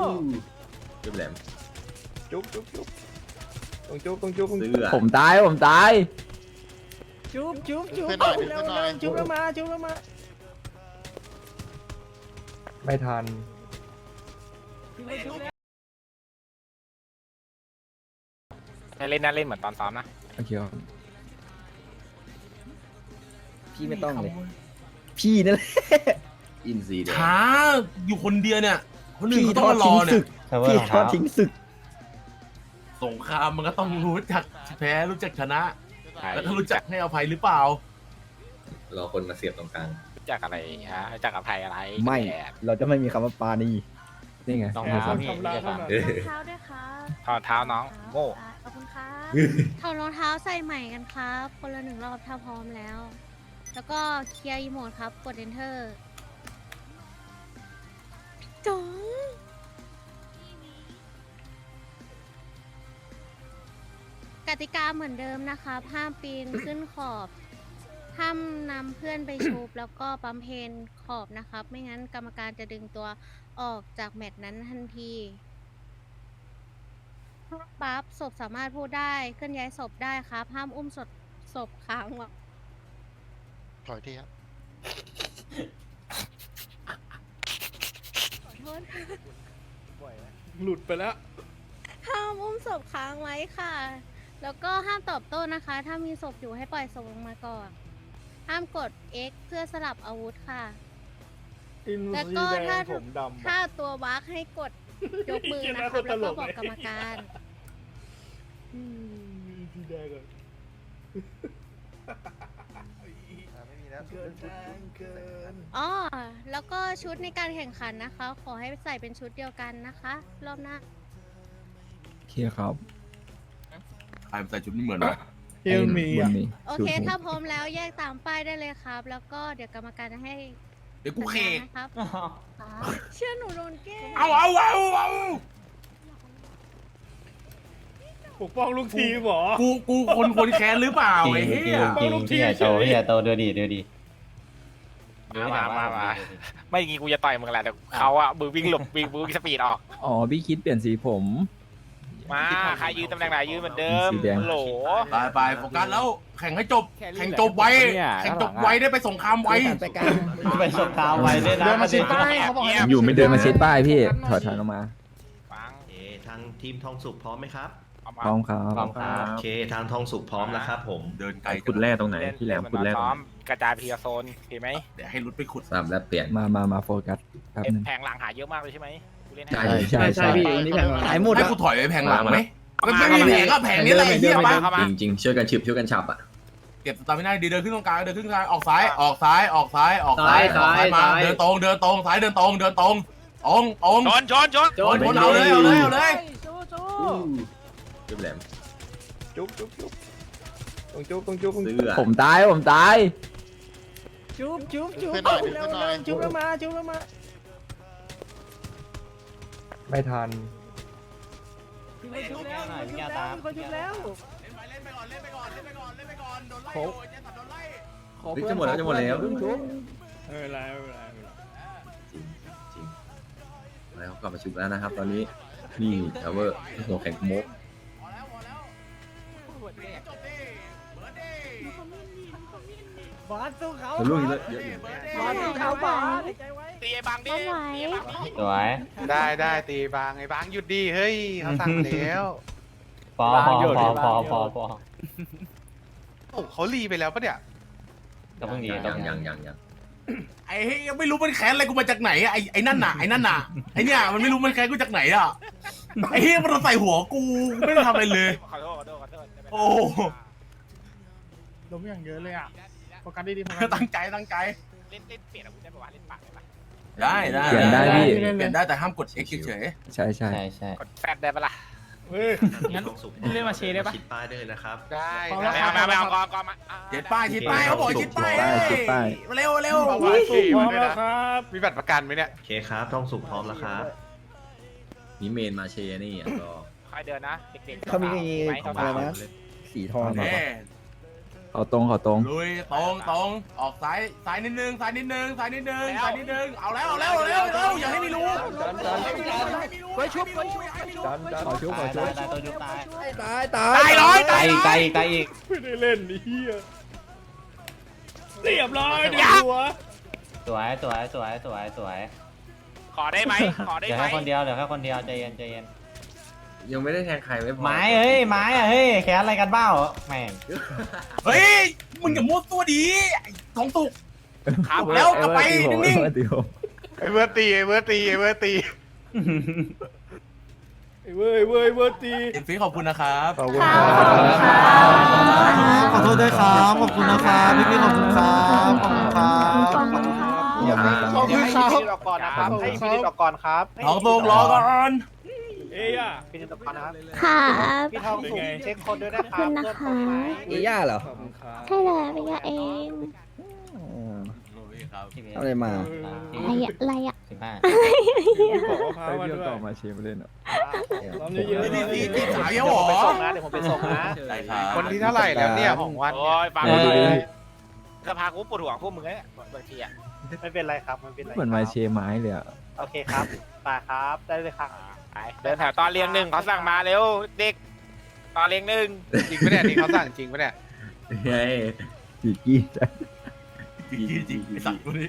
จุ๊บแหลมจุ๊บต้องจุ๊บเสื้อผมตายจุ๊บขึ้นหน่อยขึ้นหน่อยจุ๊บแล้วมาไม่ทันเล่นนะเล่นเหมือนตอนซ้อมนะโอเคครับพี่ไม่ต้องเลยพี่นั่นแหละอินซีแดงช้าอยู่คนเดียวเนี่ยคนอื่นเขาต้องมารอเนี่ยพี่ทอดทิ้งศึกสงครามมันก็ต้องรู้จักแพ้รู้จักชนะ แล้วถ้ารู้จักให้อภัยหรือเปล่ารอคนมาเสียบตรงกลางรู้จักอะไรฮะรู้จักอภัยอะไรไม่แอบเราจะไม่มีคำว่าปาณีนี่ไงน้องเท้าพี่ไม่ใช่ปะเออเท้าด้วยครับถอดเท้าน้องโง่ขอบคุณครับถอดรองเท้าใส่ใหม่กันครับ คนละหนึ่งรอบถ้าพร้อมแล้ว แล้วก็เคลียร์อีโมดครับ กด enter จ๋องกติกาเหมือนเดิมนะคะห้ามปีนขึ้นขอบ ห้ามนำเพื่อนไปชุบ แล้วก็ปั๊มเพนขอบนะครับ ไม่งั้นกรรมการจะดึงตัวออกจากแมตช์นั้นทันทีปั๊บศพสามารถพูดได้เคลื่อนย้ายศพได้ครับ ห้ามอุ้มศพค้างไว้ถอยที่ครับขอโทษหลุดไปแล้วห้ามอุ้มศพค้างไว้ค่ะ แล้วก็ห้ามตอบโต้นะคะ ถ้ามีศพอยู่ให้ปล่อยศพลงมาก่อน ห้ามกด X เพื่อสลับอาวุธค่ะ แล้วก็ถ้าตัวบั๊กให้กดยกมือนะครับ แล้วก็บอกกรรมการสีแดงเลยไม่มีแล้วอ๋อ แล้วก็ชุดในการแข่งขันนะคะ ขอให้ใส่เป็นชุดเดียวกันนะคะ รอบหน้าโอเคครับใครใส่ชุดไม่เหมือนวะเอลมีอ่ะโอเค ถ้าพร้อมแล้วแยกตามป้ายได้เลยครับ แล้วก็เดี๋ยวกรรมการจะให้เดี๋ยวกูเคกนะครับ เชื่อหนูโดนแกล้งเอาปกป้องลูกทีมเหรอกูคนแค้นหรือเปล่าไอ้เหี้ยปกป้องลูกทีมพี่ใหญ่โตดูดิมาไม่จริงกูจะต่อยมึงแหละแต่เขาอะมือวิ่งหลบวิ่งสปีดออกอ๋อพี่คิดเปลี่ยนสีผมมาใครยืนตำแหน่งไหนยืนเหมือนเดิมสีแดงโหลไปโฟกัสแล้วแข่งให้จบแข่งจบไวแข่งจบไวได้ไปสงครามไวไปสบตาไว้ด้วยนะเดินมาชิดป้ายเขาบอกให้อยู่ไม่เดินมาเช็ดป้ายพี่ถอยออกมาฟังทางทีมทองสุกพร้อมไหมครับเอามาพร้อมครับโอเคทางทองสุกพร้อมแล้วครับผมเดินไกลขุดแร่ตรงไหนพี่แหลมขุดแร่ตรงซ้อไหนมกระจายไปทีละโซนเห็นไหมเดี๋ยวให้รุดไปขุดสามแล้วเปลี่ยนมาโฟกัสแป๊บนึงแผงหลังหาเยอะมากเลยใช่ไหมกูเล่นใช่ให้ใช่พี่อันนี้แพงหายหมดให้กูถอยไปแพงหลังไหมมันไม่มีแผงก็แผงนี้แหละไอ้เหี้ยปะจริงๆช่วยกันฉิบช่วยกันฉับอ่ะเก็บสตาร์ไม่ได้ดีเดินขึ้นตรงกลางเดินขึ้นกลางออกซ้ายมาเดินตรงซ้ายเดินตรงตรงชนเอาเลยจุ๊บแหลมจุ๊บต้องจุ๊บเสื้อผมตายจุ๊บขึ้นหน่อยขึ้นหน่อยจุ๊บแล้วมาไม่ทันจุ๊บแล้วเล่นไปก่อนโดนไล่เฮ้ยจะหมดแล้วไม่เป็นไรจริงแล้วกลับมาชุบแล้วนะครับ ตอนนี้นี่ทาวเวอร์หัวแข็งโมกบอสสู้เขาทะลุเยอะอยู่บอสสู้เขาบอสตีไอ้บังดิเอาไหวสวยได้ตีบางไอ้บางหยุดดีเฮ้ยเขาสั่งมาแล้วพอโอ้เขารีไปแล้วปะเนี่ยก็เพิ่งดียังไอ้ยังไม่รู้มันแค้นอะไรกูมาจากไหนไอ้นั่นน่ะไอ้เนี่ยมันไม่รู้มันแค้นกูจากไหนอ่ะไอ้เหี้ยมันใส่หัวกูไม่ได้ทำอะไรเลยขอโทษโอ้ล้มอย่างเยอะเลยอ่ะโฟกัสดีๆตั้งใจเล่นเปลี่ยนอาวุธได้ปะวะเล่นปากได้ปะได้เปลี่ยนได้พี่เปลี่ยนได้แต่ห้ามกด X เฉยใช่ใช่กดแฟดได้ปะล่ะงั้นเล่นมาเชได้ปะชิดป้ายได้เลยนะครับได้ไม่เอาก่อนมาๆชิดป้ายเขาบอกชิดป้ายเร็วพร้อมแล้วครับมีบัตรประกันไหมเนี่ยโอเคครับทองสุกพร้อมแล้วครับนี่เมนมาเชนี่อ่ะก็ค่อยเดินนะเด็กๆเขามีไหมอะไรนะสีทองแน่เขาตรงเขาตรงลุยตรงออกซ้ายนิดนึงซ้ายนิดนึงเอาแล้วอย่าให้มีรูขอชุบตายตัวยุบตายตายร้อยตายอีกตายอีกตายอีกไม่ได้เล่นนี่เฮียเรียบร้อยดิหัวสวยสวยสวยสวยสวยขอได้ไหมขอเหได้ลือไหมแค่คนเดียวเหลือแค่คนเดียวใจเย็นใจเย็นยังไม่ได้แทงใครไม่พอไม้เฮ้ยไม้อะเฮ้ยแค่อะไรกันเบ้าแม่งเฮ้ยมึงอย่ามั่วตัวดีทองสุกครับแล้วกลับไปนิ่งไอ้เบิร์ดตีไอ้เบิร์ดตีไอ้เบิร์ดตีเว้ยตีเอ็นฟีขอบคุณนะครับขอบคุณค่ะขอบคุณด้วยครับขอบคุณนะครับพี่ๆขอบคุณครับขอบคุณครับขอบคุณค่ะอย่ามาขอบคุณให้ครับพี่นิดออกก่อนนะครับให้พี่นิดออกก่อนครับทองสุกรอก่อนเอ้ยอ่ะพี่นิดออกก่อนนะครับค่ะพี่ทองสุกเช็คคนด้วยนะคขอบรัคุบณนะคะเพื่อนผมไหมย่าเหรอขอบคุณครับใช่เลยเป็นยาเองอะไรมาอะไรอะ 15 บอกว่าพาไปมาเที่ยวด้วยต่อมาเชียร์เล่นอ่ะซ้อมเยอะๆตีสายเยอะหรผมไปอส่งนะเดี๋ยวผมไปส่งนะได้ครับคนที่เท่าไหร่แล้วเนี่ยของวันโอ้ยฟังเออสภากูปวดหัวพวกมึงเนี่ยบางทีอ่ะไม่เป็นไรครับไม่เป็นไรเหมือนมาเชียร์ไม้เลยอ่ะโอเคครับมาครับได้เลยครับไปเดินแถวตอนเรียงหนึ่งเขาสั่งมาเร็วเด็กตอนเรียงหนึ่งจริงปะเนี่ยนี่เขาสั่งจริงปะเนี่ยไงจีกี้จริงไอ้สัตว์ตัวนี้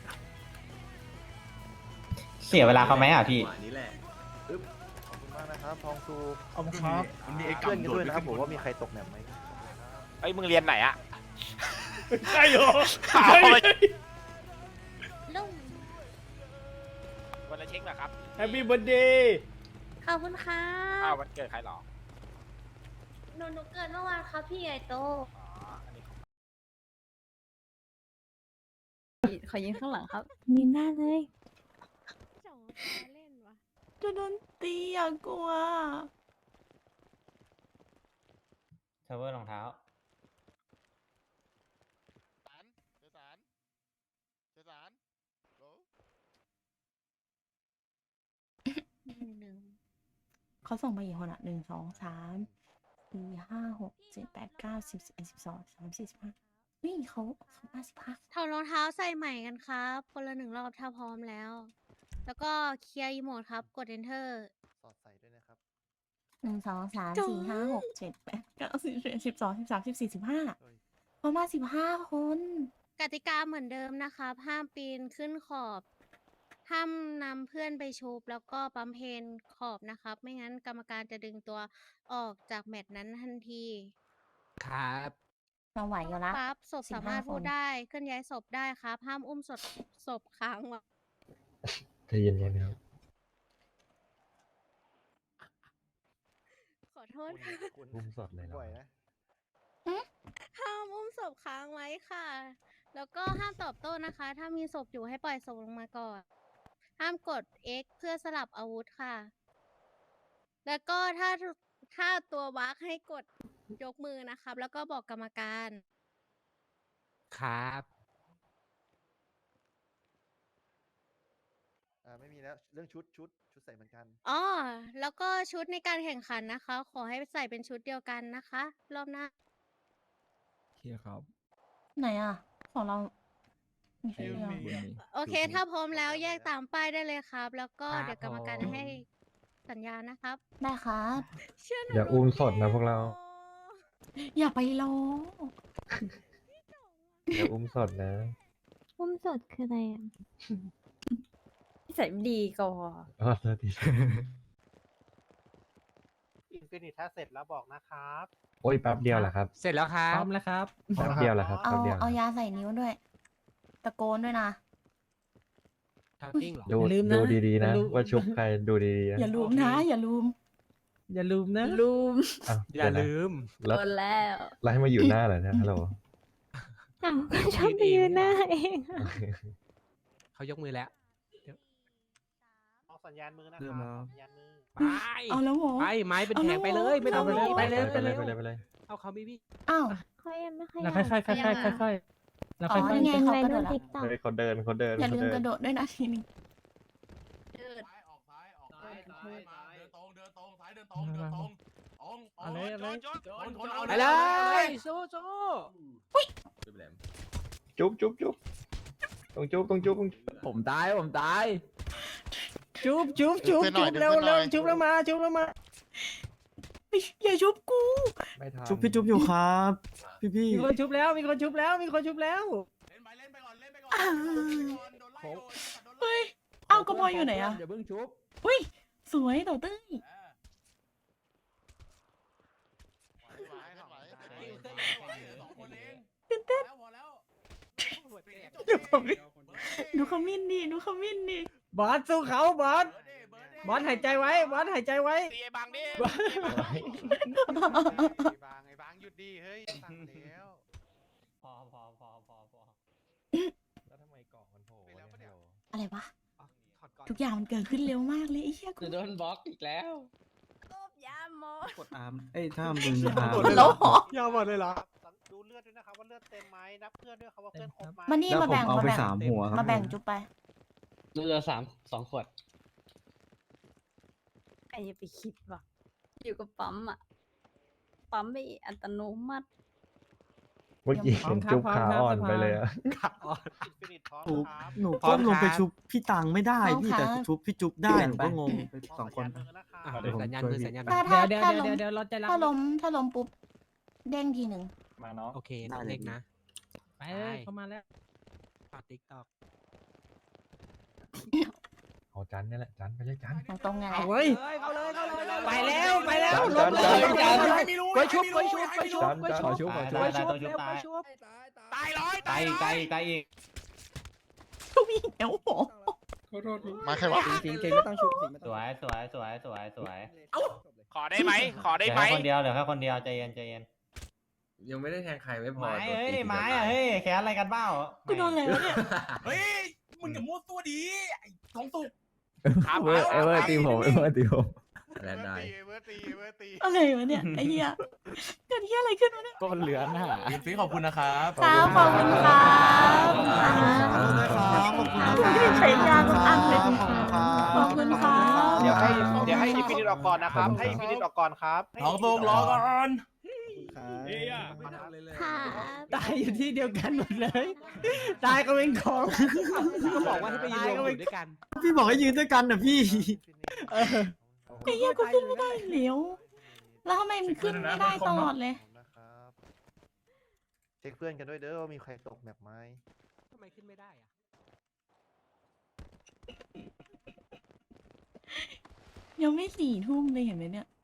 เสียเวลาเขาไหมอ่ะพี่นี่แหละขอบคุณมากนะครับทองสุกขอบคุณครับมันมีไอ้เพื่อนกำกันโดด้วยดนะครับผมว่ามีใครตกแหนมไหมเอ้ยมึงเรียนไหนอ่ะใช่เหรอเอาไปลุงวันละเช็คเหรอครับแฮปปี้เบิร์ดเดย์ขอบคุณค่ะอ้าววันเกิดใครหรอหนูเกิดเมื่อวานครับพี่ใหญ่โตอ๋ออันนี้ขอยิงข้างหลังครับยิงได้เลยจ่องเล่นวะจะโดนตีอ่ะกลัวเทเวอร์รองเท้าเขาส่งมากี่คนอ่ะ1 2 3 4 5 6 7 8 9 10 11 12 13 14 15นี่เขา55 ถอดรองเท้าใส่ใหม่กันครับคนละ1 รอบถ้าพร้อมแล้ว แล้วก็เคลียร์อีโมดครับกด enter สอดใส่ด้วยนะครับ 1 2 3 4 5 6 7 8 9 10 11 12 13 14 15เขามา15 คนกติกาเหมือนเดิมนะครับ ห้ามปีนขึ้นขอบ ห้ามนำเพื่อนไปชุบแล้วก็ปั๊มเพนขอบนะครับ ไม่งั้นกรรมการจะดึงตัวออกจากแมตช์นั้นทันทีครับเราไหวอยู่ละปั๊บศพสามารถ 15 พูดคนได้เคลื่อนย้ายศพได้ครับ ห้ามอุ้มศพค้างไว้ใจเย็นๆครับขอโทษค่ะอุ้มสดเลยเหรอบ่อยนะห้ามอุ้มศพค้างไว้ค่ะ แล้วก็ห้ามตอบโต้นะคะ ถ้ามีศพอยู่ให้ปล่อยศพลงมาก่อน ห้ามกด X เพื่อสลับอาวุธค่ะ แล้วก็ถ้าตัววักให้กดยกมือนะครับ แล้วก็บอกกรรมการครับไม่มีแล้วเรื่องชุดใส่เหมือนกันอ๋อ แล้วก็ชุดในการแข่งขันนะคะ ขอให้ใส่เป็นชุดเดียวกันนะคะ รอบหน้าเชียร์ครับไหนอ่ะ ของเรามีใครบเดียวนนี้โอเค ถ้าพร้อมแล้วแยกตามป้ายได้เลยครับ แล้วก็เดี๋ยวกรรมการให้สัญญาณนะครับได้ครับเชื่อหนูอย่าอุ้มสดนะพวกเราอย่าไปรออย่าอุ้มสดนะอุ้มสดคืออะไรอ่ะใส่ดีก่อนอ๋อสวัสดีอินฟินิตถ้าเสร็จแล้วบอกนะครับโอ้ยแป๊บเดียวแหละครับเสร็จแล้วครับพร้อมแล้วครับแป๊บเดียวแหละครับเอาแป๊บเดียวเอายาใส่นิ้วด้วย ตะโกนด้วยนะดูอย่าลืมนะดูดีๆนะอย่าลืมว่าชุบใครดูดีๆนะอย่าลืมนะ อย่าลืมอย่าลืมนะลืมอ้าวอย่าเดี๋วนะลืมแล้วโดนแล้วแล้วให้มาอยู่หน้าเหรอเนี่ยฮัลโหลอ้าวก็ชอบไปยืนหน้าเองเขายกมือแล้วออกสัญญาณมือนะคเริ่รัมบแล้วสัญญาณมือไปเอาแล้วเหรอไปไม้เป็นเอาแผแล้งวไปเลยไม่ต้องเอาแล้วไปเลยไปเลยไปเลยเอาเขาบีบี้อ้าวเขายังไม่ค่อยแล้วค่อยๆค่อยๆแล้วอ๋อค่อยนี่ไงเขากระโดดละเฮ้ยเขาเดินอย่าลืมเขากเดิระนโดดด้วยนะทีนึงซ้ายออกซ้ายออกซ้ายเดินตรงซ้ายเดินตรงตรงอะไรชนเอาไปเลยสู้จุ๊บแหลมจุ๊บต้องจุ๊บผมตายจุ๊บเร็วจุ๊บแล้วมาอย่าชุบกูชุบพี่จุ๊บอยู่ครับพี่มีคนชุบแล้วเล่นไปก่อนโดนไล่โดนไล่เฮ้ยเอ้ากระบอยอยู่ไหนอะอย่าเพิ่งชุบอุ้ยสวยต่อเต้ย ตื่นเต้น ดูขมิ้นดิบอสสู้เขาบอสหายใจไว้ตีไอ้บางดิไอ้บางหยุดดีเฮ้ยสั่งแล้วพอแล้วทำไมเกาะมันโผล่ไปแล้วปะเนี่ยอะไรวะถอดก่อนทุกอย่างมันเกิดขึ้นเร็วมากเลยไอ้เหี้ยกูจะโดนบล็อกอีกแล้วกบยามโมกดอาร์มถ้ามึงอาร์มแล้วเหรอยาวหมดเลยเหรอดูเลือดด้วยนะครับว่าเลือดเต็มไหมนับเพื่อนด้วยครับว่าเพื่อนครบไหมมานี่แล้วมาผมแบ่งเอามาไปแบ่ง 3 หัวครับมาแบ่งจุ๊บไปเหลือ2 ขวดไอ้อย่าไปคิดว่ะอยู่กับปั๊มอะปั๊มไปอัตโนมัติเมื่อกี้เห็นจุ๊บขาอ่อนไปเลยอะฟินิชพร้อมหนูครับหนูก้มลงไปชุบพี่ตังไม่ได้พร้อมพี่ครับแต่ชุบพี่จุ๊บได้หนูก็งงไป2 คนเดี๋ยวผมสัญญาณมือสัญญาณเดี๋ยวถ้าล้มเดี๋ยวเราจะรับถ้าล้มปุ๊บเด้งทีหนึ่งมาเนาะโอเคได้เล็กนะไปเลยเข้ามาแล้วปัดติ๊กตอกเอาจันนี่แหละจันไปเลยจันตรงๆไงเอาเว้ยเข้าเลยไปแล้วลบเลยไปชุบจันขอชุบได้ต้องชุบตายตายร้อยตายอีกทุกอีกแล้วโหมาใครวะจริงไม่ต้องชุบสวยขอได้ไหมเหลือแค่คนเดียวใจเย็นยังไม่ได้แทงใครไม่พอไม้ตัวเฮ้ยตีไม้อะเฮ้ยแค่อะไรกันเบ้ากูโดนอะไรวะเนี่ยเฮ้ยมึงอย่ามั่วตัวดีไอ้ทองสุกครับเวอร์ตีผมแลนได้เวอร์ตีอะไรวะเนี่ยไอ้เหี้ยเกิดเหี้ยอะไรขึ้นวะเนี่ยก็เหลือหน้าฟิขอบคุณนะครับครับขอบคุณครับขอบคุณนะครับขอบคุณนะคไม่รับได้ใช้ยาทุกอันเลยขอบคุณครับขอบคุณครับเดี๋ยวให้อินฟินิตออกก่อนนะครับ ให้อินฟินิตออกก่อนครับทองสุกรอก่อนค่ะตายอยู่ที่เดียวกันหมดเลย ตายก็เป็นของก็บอกว่าให้ไปยืนรวมอยู่ด้วยกันพี่บอกให้ยืนด้วยกันนะพี่ไอ้เหี้ยกูขึ้นไม่ได้เหลวแล้วทำไมมันขึ้นไม่ได้ตลอดเลยนะครับเช็คเพื่อนกันด้วยเด้อว่ามีใครตกแบบไหมทำไมขึ้นไม่ได้อะยังไม่4 ทุ่มเลยเห็นไหมเนี่ย